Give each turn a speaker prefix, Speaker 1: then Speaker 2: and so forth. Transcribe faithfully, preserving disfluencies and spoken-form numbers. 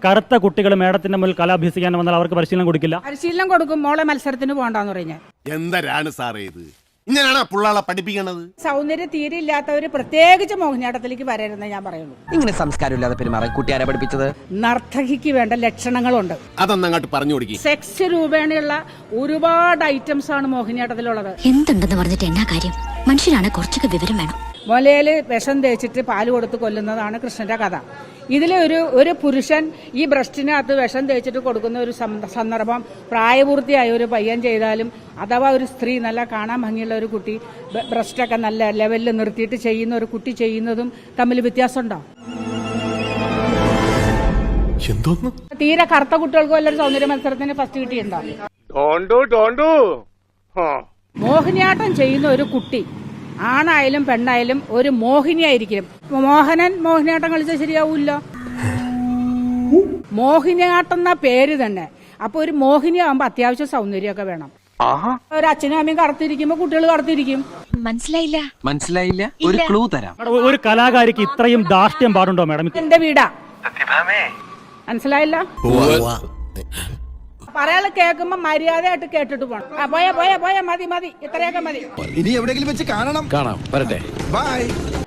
Speaker 1: കറുത്ത കുട്ടികൾ മേഡത്തിന്റെ മുന്നിൽ കല അഭ്യസിക്കാൻ വന്നാൽ അവർക്ക് പരിശീലനം കൊടുക്കില്ല?
Speaker 2: പരിശീലനം കൊടുക്കും. മോളെ മത്സരത്തിന് പോകണ്ടെന്ന് പറഞ്ഞാൽ
Speaker 3: എന്തരാണ് സാറേ ഇത്? ഇങ്ങനെയാണ് പിള്ളാളെ പഠിപ്പിക്കണത്?
Speaker 2: സൗന്ദര്യം തീരെ ഇല്ലാത്തവര് പ്രത്യേകിച്ച് മോഹിനിയാട്ടത്തിലേക്ക് വരരുതെന്ന് ഞാൻ പറയുള്ളൂ.
Speaker 4: ഇങ്ങനെ സംസ്കാരമില്ലാതെ പെരുമാറാൻ കുട്ടിയാരെ പഠിപ്പിച്ചത്?
Speaker 2: നർത്തകിക്ക് വേണ്ട ലക്ഷണങ്ങളുണ്ട്.
Speaker 3: അതൊന്നങ്ങോട്ട് പറഞ്ഞു കൊടുക്കി.
Speaker 2: സെക്സ് രൂപേണയുള്ള ഒരുപാട് ഐറ്റംസ് ആണ് മോഹിനിയാട്ടത്തിലുള്ളത്.
Speaker 5: എന്തുണ്ടെന്ന് പറഞ്ഞിട്ട് എന്നാ കാര്യം? മനുഷ്യനാണ് കുറച്ചൊക്കെ വിവരം വേണം.
Speaker 2: മുലയില് വിഷം തേച്ചിട്ട് പാല് കൊടുത്ത് കൊല്ലുന്നതാണ് കൃഷ്ണന്റെ കഥ. ഇതിലെ ഒരു ഒരു പുരുഷൻ ഈ ബ്രസ്റ്റിനകത്ത് വിഷം തേച്ചിട്ട് കൊടുക്കുന്ന ഒരു സന്ദർഭം പ്രായപൂർത്തിയായ ഒരു പയ്യൻ ചെയ്താലും, അഥവാ ഒരു സ്ത്രീ നല്ല കാണാൻ ഭംഗിയുള്ള ഒരു കുട്ടി ബ്രസ്റ്റൊക്കെ നല്ല ലെവലിൽ നിർത്തിയിട്ട് ചെയ്യുന്ന ഒരു കുട്ടി ചെയ്യുന്നതും തമ്മിൽ വ്യത്യാസമുണ്ടോ? തീരെ കറുത്ത കുട്ടികൾക്ക് വല്ലൊരു സൗന്ദര്യ മത്സരത്തിന് ഫസ്റ്റ് കിട്ടിയിട്ടുണ്ടോ? മോഹിനിയാട്ടം ചെയ്യുന്ന ഒരു കുട്ടി ആണായാലും പെണ്ണായാലും ഒരു മോഹിനിയായിരിക്കും. മോഹനൻ മോഹിനിയാട്ടം കളിച്ചാൽ ശരിയാവൂല്ല. മോഹിനിയാട്ടം എന്ന പേര് തന്നെ. അപ്പൊ ഒരു മോഹിനി ആവുമ്പോ അത്യാവശ്യം സൗന്ദര്യമൊക്കെ വേണം. ഒരു അച്ഛനും അമ്മയും കറുത്തിരിക്കുമ്പോ കുട്ടികൾ കറുത്തിരിക്കും.
Speaker 5: മനസ്സിലായില്ല
Speaker 4: മനസ്സിലായില്ല. ഒരു ക്ലൂ തരാം.
Speaker 1: ഒരു കലാകാരിക്ക് ഇത്രയും ധാർഷ്ട്യം പാടുണ്ടോ മേഡം?
Speaker 2: എന്റെ വീടാ. മനസ്സിലായില്ല? പറയാള് കേൾക്കുമ്പോ മര്യാദയായിട്ട് കേട്ടിട്ട് പോണം. പോയാ പോയാ പോയാ മതി മതി ഇത്രയൊക്കെ മതി.
Speaker 6: ഇനി എവിടെയെങ്കിലും വെച്ച് കാണണം.
Speaker 7: കാണാം. വരട്ടെ.
Speaker 6: ബൈ.